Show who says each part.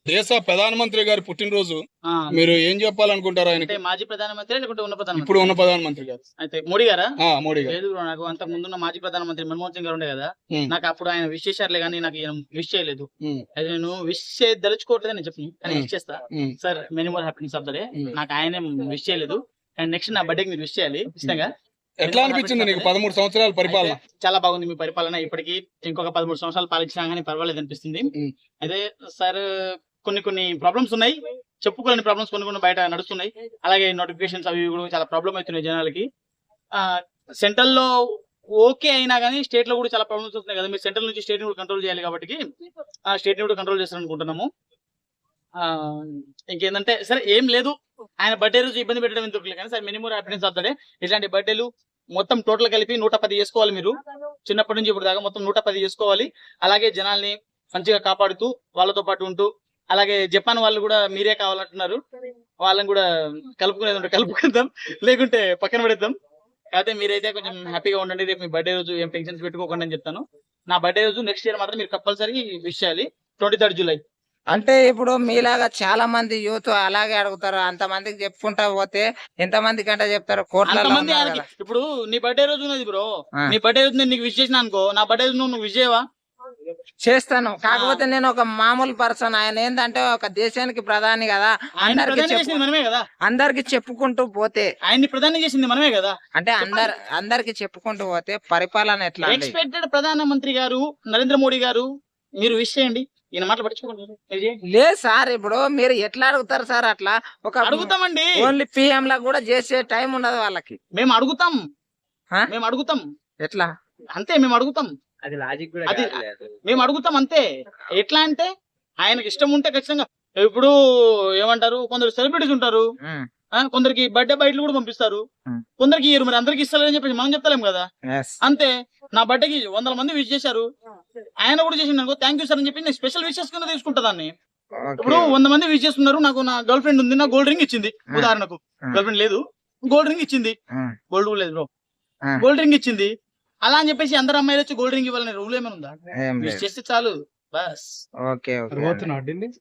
Speaker 1: దేశ ప్రధానమంత్రి గారి పుట్టినరోజు
Speaker 2: ఆ,
Speaker 1: మీరు ఏం చెప్పాలనుకుంటారు
Speaker 2: అంటే
Speaker 1: ఆయనకి?
Speaker 2: మాజీ ప్రధానమంత్రి లేకుంటే ఉన్న ప్రధానమంత్రి?
Speaker 1: ఇప్పుడు ఉన్న ప్రధానమంత్రి గారు
Speaker 2: అయితే మోడీ గారా?
Speaker 1: మోడీ గారు.
Speaker 2: లేదు bro, నాకు అంతకు ముందున్న మాజీ ప్రధానమంత్రి మన్మోహన్ సింగ్ గారు ఉండే కదా,
Speaker 1: ఉమ్,
Speaker 2: నాకు అప్పుడు ఆయన విష్ చేశారులే కానీ నాకు విష్ చేయలేదు.
Speaker 1: ఉమ్,
Speaker 2: అయితే నేను విష్ దలుచుకోవట్లేదు నేను చెప్పను, కానీ విష్ చేస్తా.
Speaker 1: Um,
Speaker 2: sir many more happiness of the day.
Speaker 1: Um.
Speaker 2: నాకు ఆయనే విష్ చేయలేదు, అండ్ నెక్స్ట్ నా బర్త్డేకి మీరు విష్ చేయాలి ఖచ్చితంగా.
Speaker 1: ఎట్లా అనిపించింది నీకు 13 సంవత్సరాల పరిపాలన?
Speaker 2: అయితే చాలా బాగుంది మీ పరిపాలన. ఇప్పటికి ఇంకొక 13 సంవత్సరాలు పాలించినా కానీ పర్వాలేదు అనిపిస్తుంది.
Speaker 1: ఉమ్,
Speaker 2: అయితే సార్ కొన్ని ప్రాబ్లమ్స్ ఉన్నాయి, చెప్పుకోలేని ప్రాబ్లమ్స్ కొన్ని బయట నడుస్తున్నాయి. అలాగే నోటిఫికేషన్స్ అవి ఇవి కూడా చాలా ప్రాబ్లం అవుతున్నాయి జనాలకి. సెంట్రల్ లో ఓకే అయినా కానీ స్టేట్ లో కూడా చాలా ప్రాబ్లమ్స్ వస్తున్నాయి కదా. మీరు సెంట్రల్ నుంచి స్టేట్ ని కూడా కంట్రోల్ చేయాలి కాబట్టి ఆ స్టేట్ ని కూడా కంట్రోల్ చేస్తారనుకుంటున్నాము. ఆ ఇంకేంటంటే సరే ఏం లేదు, ఆయన బర్త్డే రోజు ఇబ్బంది పెట్టడం ఎందుకు కానీ sir minimum happiness of the day. ఇట్లాంటి బర్త్డేలు మొత్తం టోటల్ కలిపి 110 చేసుకోవాలి. మీరు చిన్నప్పటి నుంచి ఇప్పుడు దాకా మొత్తం 110 చేసుకోవాలి. అలాగే జనాల్ని మంచిగా కాపాడుతూ వాళ్ళతో పాటు ఉంటూ, అలాగే జపాన్ వాళ్ళు కూడా మీరే కావాలంటున్నారు, వాళ్ళని కూడా కలుపుకునేది ఉంటే కలుపుకుందాం, లేకుంటే పక్కన పడేద్దాం. కాకపోతే మీరైతే కొంచెం హ్యాపీగా ఉండండి. రేపు మీ బర్త్డే రోజు ఏం టెన్షన్స్ పెట్టుకోకండి అని చెప్తాను. నా బర్త్డే రోజు నెక్స్ట్ ఇయర్ మాత్రం మీరు కంపల్సరీ విష్ చేయాలి, 23rd జూలై.
Speaker 3: అంటే ఇప్పుడు మీలాగా చాలా మంది యూత్ అలాగే అడుగుతారు. అంతమందికి చెప్పుకుంటా పోతే ఎంతమంది కంటే చెప్తారు? కోట్లలో
Speaker 2: అంతమంది
Speaker 3: ఉన్నారు
Speaker 2: ఆయనకి
Speaker 3: కదా.
Speaker 2: ఇప్పుడు నీ బర్త్డే రోజు ఉన్నది బ్రో,
Speaker 3: ఆ.
Speaker 2: నీ బర్త్డే రోజు నేను నీకు విష్ చేసిన అనుకో, నా బర్త్డే రోజు నువ్వు విష్ చేయవా?
Speaker 3: చేస్తాను. కాకపోతే నేను ఒక మామూలు పర్సన్. ఆయన ఏంటంటే ఒక దేశానికి ప్రధాని కదా,
Speaker 2: ఆయన
Speaker 3: అందరికి
Speaker 2: ప్రధాని చేసింది మనమే కదా,
Speaker 3: అందరికి చెప్పుకుంటూ పోతే,
Speaker 2: ఆయన్ని ప్రధాని చేసింది మనమే కదా.
Speaker 3: అంటే అందరికి చెప్పుకుంటూ పోతే పరిపాలన ఎట్లా అండి?
Speaker 2: ఎక్స్పెక్టెడ్ ప్రధానమంత్రి గారు నరేంద్ర మోడీ గారు, మీరు విష్ చేయండి. ఈయన మాటలు పట్టించుకోండి, మీరు చేయండి.
Speaker 3: లేదు సార్, ఇప్పుడు మీరు ఎట్లా అడుగుతారు సార్? అట్లా ఒక
Speaker 2: అడుగుతామండి,
Speaker 3: ఓన్లీ పిఎం లా కూడా చేసే టైం ఉండదు వాళ్ళకి.
Speaker 2: మేము అడుగుతాం,
Speaker 3: ఆ?
Speaker 2: మేము అడుగుతాం
Speaker 3: ఎట్లా?
Speaker 2: అంతే, మేము అడుగుతాం,
Speaker 3: అది లాజిక్ కూడా
Speaker 2: అది మేము అడుగుతాం అంతే. ఎట్లా అంటే ఆయనకి ఇష్టం ఉంటే ఖచ్చితంగా, ఇప్పుడు ఏమంటారు, కొందరు సెలబ్రిటీస్ ఉంటారు, కొందరికి బర్త్డే బయటలు కూడా పంపిస్తారు, కొందరికి ఇయ్యరు. మరి అందరికి ఇస్తారని చెప్పేసి మనం చెప్తలేం కదా. అంతే, నా బర్త్డేకి 100 మంది విష్ చేశారు, ఆయన కూడా చేసిండు అనుకో, థ్యాంక్ యూ సార్ అని చెప్పి నేను స్పెషల్ విషెస్ కింద తీసుకుంటా దాన్ని. ఇప్పుడు 100 మంది విష్ చేస్తున్నారు, నాకు నా గర్ల్ ఫ్రెండ్ ఉంది, నా గోల్డ్ రింగ్ ఇచ్చింది ఉదాహరణకు. గర్ల్ ఫ్రెండ్ లేదు, గోల్డ్ రింగ్ ఇచ్చింది, గోల్డ్ లేదు బ్రో, గోల్డ్ రింగ్ ఇచ్చింది. అలా అని చెప్పేసి అందరు అమ్మాయిలు వచ్చి గోల్డ్ రింగ్ ఇవ్వాలని రూల్ ఏమైనా ఉందా? విష్ చేస్తే చాలు బస్.
Speaker 3: ఓకే.